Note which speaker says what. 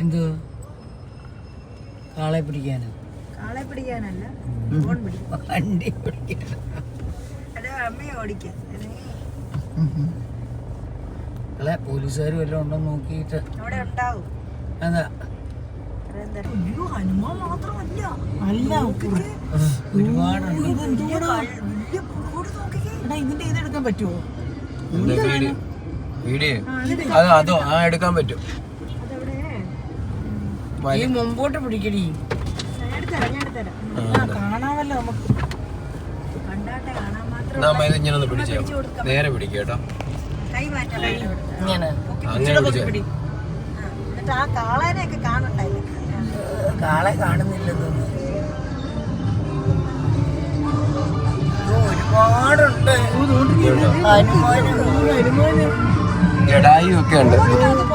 Speaker 1: എന്ത് കാളെ പിടിക്കാനോ?
Speaker 2: കാളെ പിടിക്കാനല്ല,
Speaker 1: വണ്ടി പിടിക്കാൻ.
Speaker 2: അമ്മയെ ഓടിക്കാൻ.
Speaker 1: അല്ലെ പോലീസുകാർ വല്ലതും ഉണ്ടോ നോക്കിയിട്ട്
Speaker 2: അവിടെ ഉണ്ടാവും.
Speaker 1: അതാ
Speaker 2: ഹനുമാൻ മാത്രമല്ല,
Speaker 1: ഒരുപാടുണ്ട്.
Speaker 2: ഇതിന്റെ ഇതെടുക്കാൻ പറ്റുമോ?
Speaker 3: വീഡിയോ അതോ എടുക്കാൻ പറ്റും.
Speaker 1: ഈ മുമ്പോട്ട് പിടിക്കടി.
Speaker 2: കാണാമല്ലോ നമുക്ക്. കണ്ടാട്ടെ കാണാൻ മാത്രം.
Speaker 3: ഇങ്ങനെ ഒന്ന് പിടിച്ചോ, നേരെ പിടിക്കുക കേട്ടോ.
Speaker 2: കൈ മാറ്റാൻ
Speaker 1: ഇങ്ങനെ
Speaker 3: അങ്ങനെ പിടിച്ചോ.
Speaker 2: എന്നിട്ട് ആ കാളേനെയൊക്കെ കാണണ്ടായി.
Speaker 1: കാളെ കാണുന്നില്ലെന്ന് ഒരുപാടുണ്ട്.
Speaker 3: ജഡായു ഒക്കെ ഉണ്ട്.